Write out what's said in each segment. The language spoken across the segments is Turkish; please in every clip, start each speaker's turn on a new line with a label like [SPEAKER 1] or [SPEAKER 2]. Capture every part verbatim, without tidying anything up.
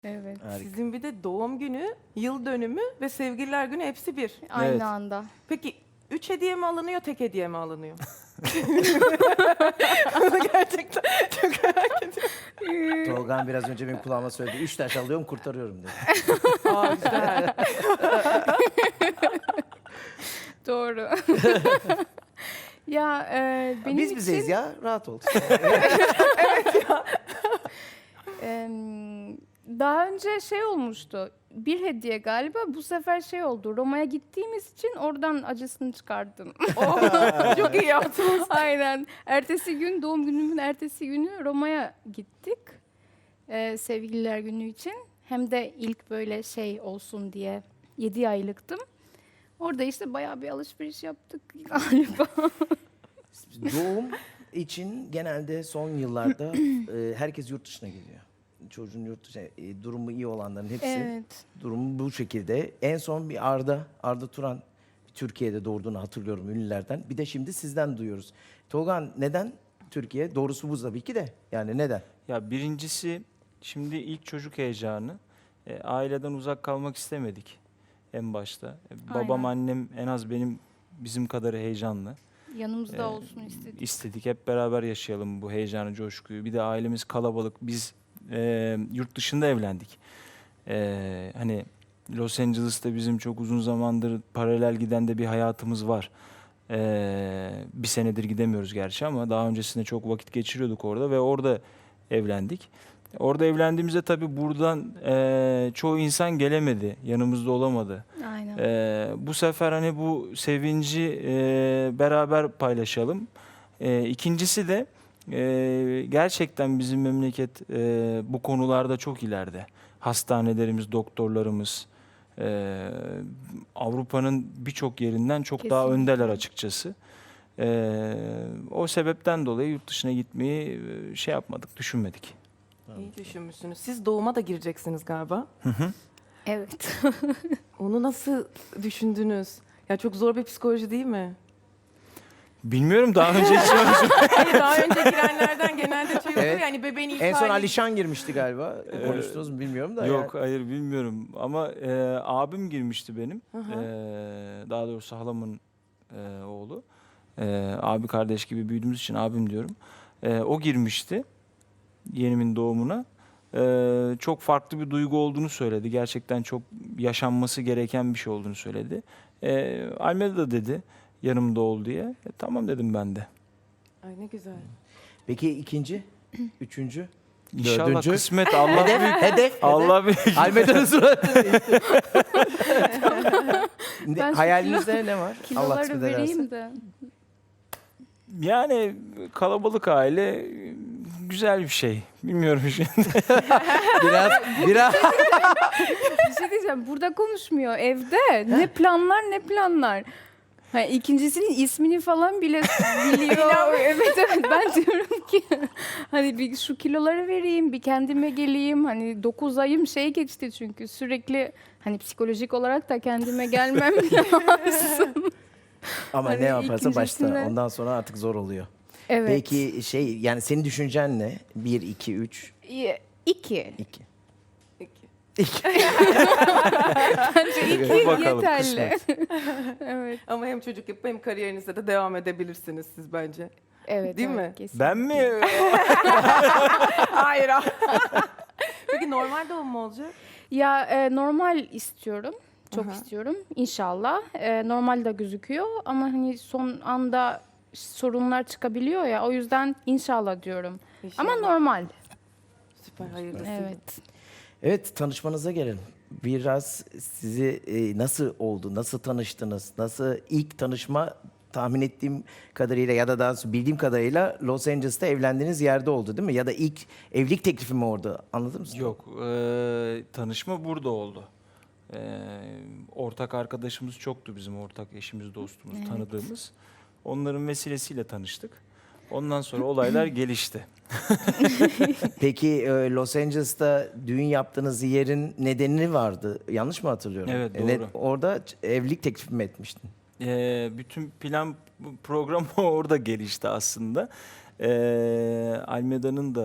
[SPEAKER 1] Evet.
[SPEAKER 2] Harika.
[SPEAKER 3] Sizin bir de doğum günü, yıl dönümü ve sevgililer günü hepsi bir.
[SPEAKER 1] Aynı
[SPEAKER 2] Evet.
[SPEAKER 1] anda.
[SPEAKER 3] Peki üç hediye mi alınıyor, tek hediye mi alınıyor? Gerçekten çok merak ediyorum.
[SPEAKER 2] Tolgan biraz önce benim kulağıma söyledi. Üç taş alıyorum kurtarıyorum dedi.
[SPEAKER 3] Aa, güzel.
[SPEAKER 1] Doğru. Ya e, benim
[SPEAKER 2] Biz
[SPEAKER 1] için
[SPEAKER 2] bizeyiz ya rahat ol.
[SPEAKER 1] em, daha önce şey olmuştu. Bir hediye galiba, bu sefer şey oldu. Roma'ya gittiğimiz için oradan acısını çıkardım.
[SPEAKER 3] Oh, çok iyi yaptınız.
[SPEAKER 1] Aynen. Ertesi gün, doğum günümün ertesi günü Roma'ya gittik. Ee, sevgililer günü için. Hem de ilk böyle şey olsun diye yedi aylıktım. Orada işte bayağı bir alışveriş yaptık galiba.
[SPEAKER 2] Doğum için genelde son yıllarda e, herkes yurt dışına gidiyor. Çocuğun yurt dışına, e, durumu iyi olanların hepsi
[SPEAKER 1] Evet.
[SPEAKER 2] durumu bu şekilde. En son bir Arda, Arda Turan Türkiye'de doğurduğunu hatırlıyorum ünlülerden. Bir de şimdi sizden duyuyoruz. Tolgan neden Türkiye? Doğrusu bu tabii ki de. Yani neden?
[SPEAKER 4] Ya birincisi şimdi ilk çocuk heyecanı. E, aileden uzak kalmak istemedik en başta. E, babam
[SPEAKER 1] Aynen.
[SPEAKER 4] annem en az benim bizim kadar heyecanlı.
[SPEAKER 1] Yanımızda
[SPEAKER 4] Ee,
[SPEAKER 1] olsun istedik.
[SPEAKER 4] İstedik hep beraber yaşayalım bu heyecanı, coşkuyu. Bir de ailemiz kalabalık. Biz e, yurt dışında evlendik. E, hani Los Angeles'ta bizim çok uzun zamandır paralel giden de bir hayatımız var. E, bir senedir gidemiyoruz gerçi ama daha öncesinde çok vakit geçiriyorduk orada ve orada evlendik. Orada evlendiğimizde tabii buradan e, çoğu insan gelemedi, yanımızda olamadı.
[SPEAKER 1] Aynen.
[SPEAKER 4] Ee, bu sefer hani bu sevinci e, beraber paylaşalım. Ee, ikincisi de e, gerçekten bizim memleket e, bu konularda çok ileride. Hastanelerimiz, doktorlarımız e, Avrupa'nın birçok yerinden çok daha
[SPEAKER 1] Kesinlikle.
[SPEAKER 4] öndeler açıkçası. Ee, o sebepten dolayı yurt dışına gitmeyi e, şey yapmadık, düşünmedik.
[SPEAKER 3] İyi düşünmüşsünüz. Siz doğuma da gireceksiniz galiba.
[SPEAKER 1] Evet.
[SPEAKER 3] Onu nasıl düşündünüz? Ya çok zor bir psikoloji değil mi?
[SPEAKER 4] Bilmiyorum, daha önce hiç
[SPEAKER 3] Hayır, daha önce girenlerden genelde şey oluyor
[SPEAKER 2] Evet.
[SPEAKER 3] yani bebeğin ilk
[SPEAKER 2] En son
[SPEAKER 3] hali-
[SPEAKER 2] Alişan girmişti galiba. Konuştunuz mu bilmiyorum da.
[SPEAKER 4] Yok,
[SPEAKER 2] yani.
[SPEAKER 4] hayır bilmiyorum ama e, abim girmişti benim.
[SPEAKER 3] Hı hı.
[SPEAKER 4] E, daha doğrusu halamın e, oğlu. E, abi kardeş gibi büyüdüğümüz için abim diyorum. E, o girmişti yeğenimin doğumuna. E, çok farklı bir duygu olduğunu söyledi. Gerçekten çok yaşanması gereken bir şey olduğunu söyledi. E, Almeda da dedi yanımda ol diye. E, tamam dedim ben de.
[SPEAKER 3] Ay ne güzel.
[SPEAKER 2] Peki ikinci, üçüncü,
[SPEAKER 4] İnşallah
[SPEAKER 2] dördüncü.
[SPEAKER 4] kısmet Allah
[SPEAKER 2] Hedef,
[SPEAKER 4] büyük.
[SPEAKER 2] hedef,
[SPEAKER 4] Allah büyük.
[SPEAKER 2] hedef. Almeda'nın suratı. Ne-
[SPEAKER 1] Ben şu
[SPEAKER 2] Hayalinizde ne var? Allah
[SPEAKER 1] Kiloları
[SPEAKER 2] kısmet ederse.
[SPEAKER 1] vereyim de.
[SPEAKER 4] Yani kalabalık aile e, güzel bir şey. Bilmiyorum şimdi.
[SPEAKER 2] Biraz, biraz.
[SPEAKER 1] Bir şey diyeceğim. Burada konuşmuyor. Evde. Ne planlar ne planlar. Ha, ikincisinin ismini falan bile biliyor. evet evet ben diyorum ki hani bir şu kiloları vereyim, bir kendime geleyim. Hani dokuz ayım şey geçti çünkü sürekli hani psikolojik olarak da kendime gelmem lazım.
[SPEAKER 2] Ama
[SPEAKER 1] Hani
[SPEAKER 2] ne yaparsa başta.
[SPEAKER 1] ikincisinde-
[SPEAKER 2] Ondan sonra artık zor oluyor.
[SPEAKER 1] Evet.
[SPEAKER 2] Peki şey yani senin düşüncen ne? Bir, iki, üç,
[SPEAKER 1] İ- İki.
[SPEAKER 2] iki.
[SPEAKER 3] Peki.
[SPEAKER 2] İki.
[SPEAKER 1] Bence iki
[SPEAKER 4] Bakalım,
[SPEAKER 1] yeterli. evet.
[SPEAKER 3] Ama hem çocuk yapıp hem kariyerinize de devam edebilirsiniz siz bence.
[SPEAKER 1] Evet.
[SPEAKER 3] Değil
[SPEAKER 1] evet,
[SPEAKER 3] mi?
[SPEAKER 1] kesinlikle.
[SPEAKER 4] Ben mi?
[SPEAKER 3] Hayır. Peki normal doğum mu olacak?
[SPEAKER 1] Ya e, normal istiyorum. Çok
[SPEAKER 3] Aha.
[SPEAKER 1] istiyorum inşallah. E, normal de gözüküyor ama hani son anda sorunlar çıkabiliyor ya. O yüzden inşallah diyorum. Ama
[SPEAKER 3] İnşallah.
[SPEAKER 1] normal.
[SPEAKER 3] Süper hayırlısı.
[SPEAKER 1] Evet.
[SPEAKER 2] Evet tanışmanıza gelelim. Biraz sizi e, nasıl oldu? Nasıl tanıştınız? Nasıl ilk tanışma tahmin ettiğim kadarıyla ya da daha doğrusu bildiğim kadarıyla Los Angeles'ta evlendiğiniz yerde oldu değil mi? Ya da ilk evlilik teklifi mi orada? Anladın mı?
[SPEAKER 4] Yok, e, tanışma burada oldu. E, ortak arkadaşımız çoktu bizim, ortak eşimiz, dostumuz,
[SPEAKER 1] Evet.
[SPEAKER 4] tanıdığımız. Onların vesilesiyle tanıştık. Ondan sonra olaylar gelişti.
[SPEAKER 2] Peki e, Los Angeles'ta düğün yaptığınız yerin nedeni vardı. Yanlış mı hatırlıyorum?
[SPEAKER 4] Evet,
[SPEAKER 2] E, ne-
[SPEAKER 4] doğru.
[SPEAKER 2] orada ç- evlilik teklifi mi etmiştin?
[SPEAKER 4] E, bütün plan program orada gelişti aslında. E, Almeda'nın da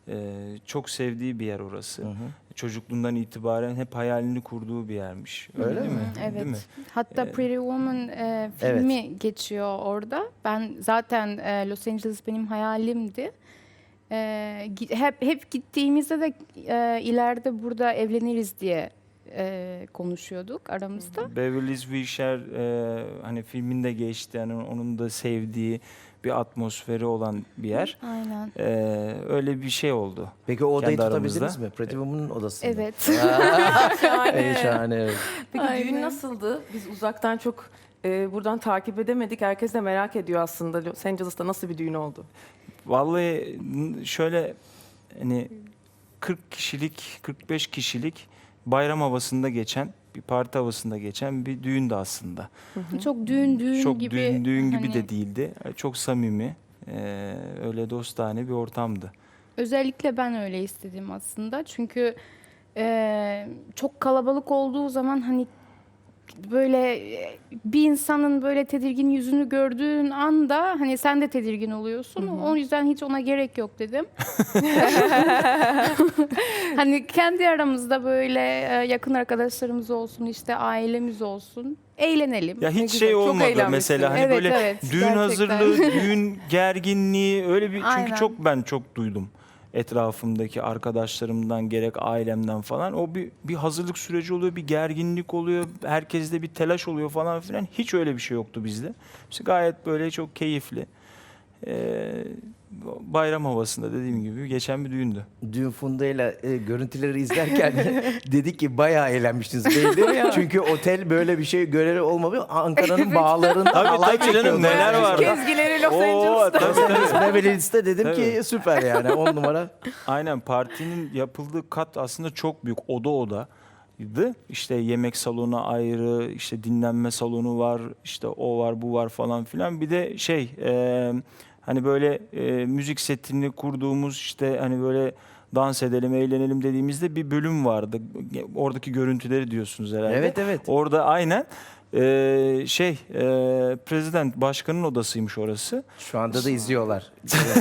[SPEAKER 4] Ee, çok sevdiği bir yer orası.
[SPEAKER 2] Hı hı.
[SPEAKER 4] Çocukluğundan itibaren hep hayalini kurduğu bir yermiş. Öyle,
[SPEAKER 2] Öyle
[SPEAKER 4] değil
[SPEAKER 2] mi?
[SPEAKER 4] mi?
[SPEAKER 1] Evet.
[SPEAKER 4] Değil mi?
[SPEAKER 1] Hatta
[SPEAKER 4] Ee,
[SPEAKER 1] Pretty Woman e, filmi geçiyor orada. Ben zaten e, Los Angeles benim hayalimdi. E, gi- hep hep gittiğimizde de e, ileride burada evleniriz diye e, konuşuyorduk aramızda.
[SPEAKER 4] Beverly Hills Wilshire e, hani filminde geçti. Yani onun da sevdiği bir atmosferi olan bir yer.
[SPEAKER 1] Aynen.
[SPEAKER 4] Ee, öyle bir şey oldu.
[SPEAKER 2] Peki o odayı
[SPEAKER 4] Kendi
[SPEAKER 2] tutabildiniz
[SPEAKER 4] aramızda.
[SPEAKER 2] mi? Pretty Woman'ın odasında.
[SPEAKER 1] Evet.
[SPEAKER 2] Ey şahane. Evet.
[SPEAKER 3] Peki
[SPEAKER 1] Aynen.
[SPEAKER 3] düğün nasıldı? Biz uzaktan çok e, buradan takip edemedik. Herkes de merak ediyor aslında Los Angeles'ta nasıl bir düğün oldu?
[SPEAKER 4] Vallahi n- şöyle hani kırk kişilik, kırk beş kişilik bayram havasında geçen, bir parti havasında geçen bir düğündü aslında.
[SPEAKER 1] Çok düğün düğün
[SPEAKER 4] Çok
[SPEAKER 1] gibi.
[SPEAKER 4] düğün düğün gibi
[SPEAKER 1] hani,
[SPEAKER 4] de değildi. Çok samimi, e, öyle dostane bir ortamdı.
[SPEAKER 1] Özellikle ben öyle istedim aslında. Çünkü e, çok kalabalık olduğu zaman hani böyle e, bir insanın böyle tedirgin yüzünü gördüğün anda hani sen de tedirgin oluyorsun. O yüzden hiç ona gerek yok dedim. Hani kendi aramızda böyle e, yakın arkadaşlarımız olsun, işte ailemiz olsun. Eğlenelim.
[SPEAKER 4] Ya
[SPEAKER 3] Ne
[SPEAKER 4] hiç
[SPEAKER 3] güzel,
[SPEAKER 4] şey
[SPEAKER 3] çok
[SPEAKER 4] olmadı
[SPEAKER 3] eğlenmişsin.
[SPEAKER 4] mesela hani
[SPEAKER 1] Evet,
[SPEAKER 4] böyle
[SPEAKER 1] evet,
[SPEAKER 4] düğün
[SPEAKER 1] gerçekten.
[SPEAKER 4] hazırlığı, düğün gerginliği öyle bir çünkü
[SPEAKER 1] Aynen.
[SPEAKER 4] çok ben çok duydum etrafımdaki arkadaşlarımdan gerek ailemden falan. O bir bir hazırlık süreci oluyor, bir gerginlik oluyor, herkeste bir telaş oluyor falan filan. Hiç öyle bir şey yoktu bizde. İşte gayet böyle çok keyifli. Ee, bayram havasında dediğim gibi geçen bir düğündü.
[SPEAKER 2] Dün Funda'yla e, görüntüleri izlerken dedik ki bayağı eğlenmiştiniz belli. Çünkü otel böyle bir şey görevi olmamış. Ankara'nın bağlarında
[SPEAKER 4] Tabii,
[SPEAKER 2] halay
[SPEAKER 4] tabii canım,
[SPEAKER 2] çekiyordu.
[SPEAKER 4] neler
[SPEAKER 2] Yani.
[SPEAKER 4] var.
[SPEAKER 3] Kezgileri Los
[SPEAKER 4] Oo,
[SPEAKER 3] Angeles'ta.
[SPEAKER 4] tabii, tabii.
[SPEAKER 2] Beverly Hills'te dedim
[SPEAKER 4] Tabii.
[SPEAKER 2] ki süper yani on numara.
[SPEAKER 4] Aynen, partinin yapıldığı kat aslında çok büyük, oda odaydı. İşte yemek salonu ayrı, işte dinlenme salonu var, işte o var, bu var falan filan. Bir de şey e, hani böyle e, müzik setini kurduğumuz, işte hani böyle dans edelim, eğlenelim dediğimizde bir bölüm vardı. Oradaki görüntüleri diyorsunuz herhalde.
[SPEAKER 2] Evet evet.
[SPEAKER 4] Orada aynen e, şey e, prezident başkanın odasıymış orası.
[SPEAKER 2] Şu anda da izliyorlar.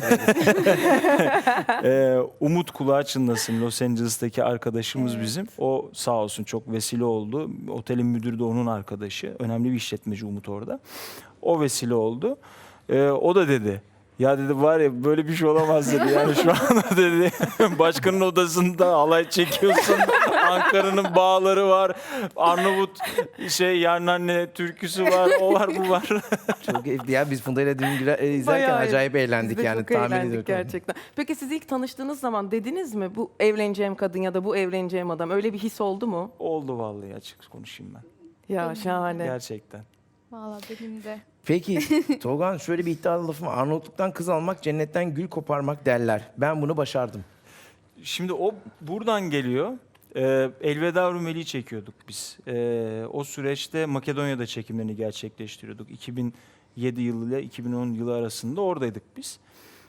[SPEAKER 4] Ee, Umut kulağı çınlasın, Los Angeles'taki arkadaşımız bizim. O sağ olsun çok vesile oldu. Otelin müdürü de onun arkadaşı. Önemli bir işletmeci Umut orada. O vesile oldu. Ee, o da dedi. Ya dedi var ya böyle bir şey olamaz dedi. Yani şu anda dedi başkanın odasında halay çekiyorsun. Ankara'nın bağları var. Arnavut şey Yarnanne türküsü var. O var bu var.
[SPEAKER 2] Çok keyifli ya. Biz Funda'yla dün güle- e, izlerken
[SPEAKER 3] Bayağı
[SPEAKER 2] acayip eğlendik
[SPEAKER 3] Biz de
[SPEAKER 2] yani
[SPEAKER 3] çok
[SPEAKER 2] tahmin
[SPEAKER 3] eğlendik
[SPEAKER 2] ediyorum.
[SPEAKER 3] gerçekten. Peki siz ilk tanıştığınız zaman dediniz mi bu evleneceğim kadın ya da bu evleneceğim adam, öyle bir his oldu mu?
[SPEAKER 4] Oldu vallahi, açık konuşayım ben.
[SPEAKER 3] Ya şahane.
[SPEAKER 4] Gerçekten.
[SPEAKER 1] Valla benim de.
[SPEAKER 2] Peki Tolgan şöyle bir iddialı lafım var. Arnavutluktan kız almak cennetten gül koparmak derler. Ben bunu başardım.
[SPEAKER 4] Şimdi o buradan geliyor. Ee, Elveda Rumeli'yi çekiyorduk biz. Ee, o süreçte Makedonya'da çekimlerini gerçekleştiriyorduk. iki bin yedi yılı ile iki bin on yılı arasında oradaydık biz.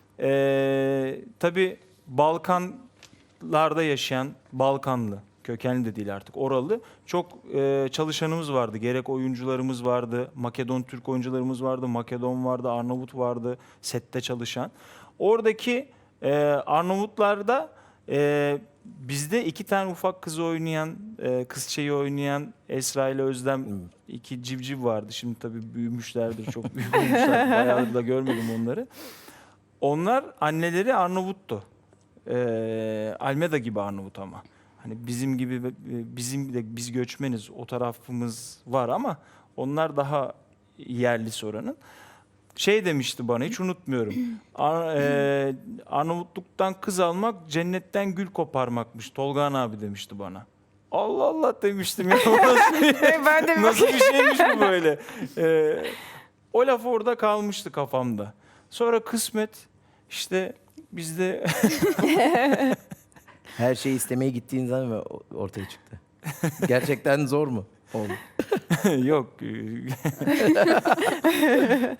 [SPEAKER 4] Ee, tabii Balkanlarda yaşayan, Balkanlı, kökenli de değil artık, oralı çok e, çalışanımız vardı. Gerek oyuncularımız vardı, Makedon Türk oyuncularımız vardı, Makedon vardı, Arnavut vardı sette çalışan. Oradaki e, Arnavutlarda e, bizde iki tane ufak kızı oynayan, e, kızçayı oynayan Esra ile Özlem, iki civciv vardı. Şimdi tabii büyümüşlerdir, çok büyük olmuşlar. Bayağıdır da görmedim onları. Onlar anneleri Arnavut'tu. E, Almeda gibi Arnavut ama. Hani bizim gibi e, bizim de biz göçmeniz, o tarafımız var ama onlar daha yerlisi oranın. Şey demişti bana, hiç unutmuyorum. Ar- e, Arnavutluktan kız almak cennetten gül koparmakmış. Tolgan abi demişti bana. Allah Allah demiştim ya. Nasıl bir,
[SPEAKER 3] ben de
[SPEAKER 4] nasıl bir şeymiş bu böyle? E, o laf orada kalmıştı kafamda. Sonra kısmet işte bizde
[SPEAKER 2] Her şeyi istemeye gittiğin zaman mı ortaya çıktı? Gerçekten zor mu? Oldu.
[SPEAKER 4] yok.